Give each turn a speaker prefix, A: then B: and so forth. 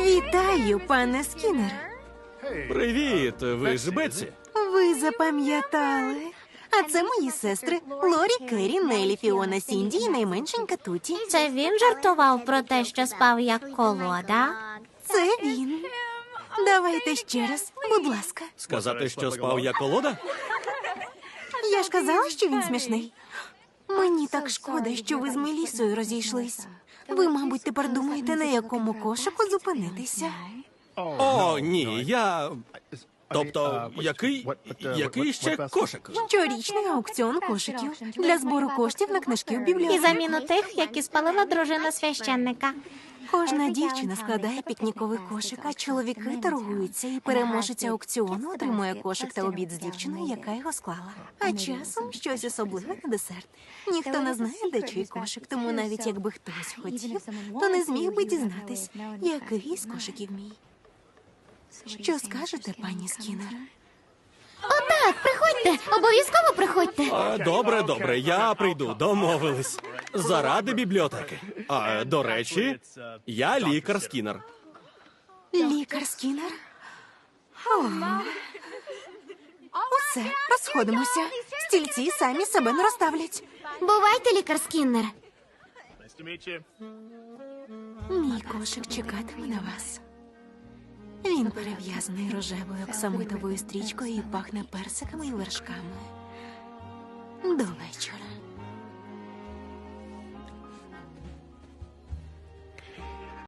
A: Вітаю, пане Скіннер.
B: Привіт, ви ж Бетсі?
A: Ви запам'ятали? А це мої сестри Лорі, Керрі, Нелі, Фіона, Сінді і найменшенька Туті.
C: Це він жартував про те, що спав як колода?
A: Це він. Давайте ще раз, будь ласка.
B: Сказати, що спав я колода?
A: Я ж казала, що він смішний. Мені так шкода, що ви з Мелісою розійшлись. Ви, мабуть, тепер думаєте, на якому кошику зупинитися.
B: О, ні, я... Тобто, який ще кошик?
A: Щорічний аукціон кошиків для збору коштів на книжки в
C: І
A: бібліотеці.
C: заміну тих, які спалила дружина священника.
A: Кожна дівчина складає пікніковий кошик, а чоловіки торгуються, і переможець аукціону отримує кошик та обід з дівчиною, яка його склала. А часом щось особливе на десерт. Ніхто не знає, де чий кошик, тому навіть якби хтось хотів, то не зміг би дізнатись, який із кошиків мій. Що скажете, пані Скіннер?
C: Так, приходьте, обов'язково приходьте.
B: Добре, я прийду, домовились. Заради бібліотеки. А, до речі, я лікар Скіннер.
A: Лікар Скіннер? О. Усе, розходимося. Стільці самі себе не розставлять.
C: Бувайте, лікар Скіннер.
A: Мій кошик чекатиме на вас. Він перев'язаний рожевою оксамитовою стрічкою і пахне персиками і вершками. До вечора.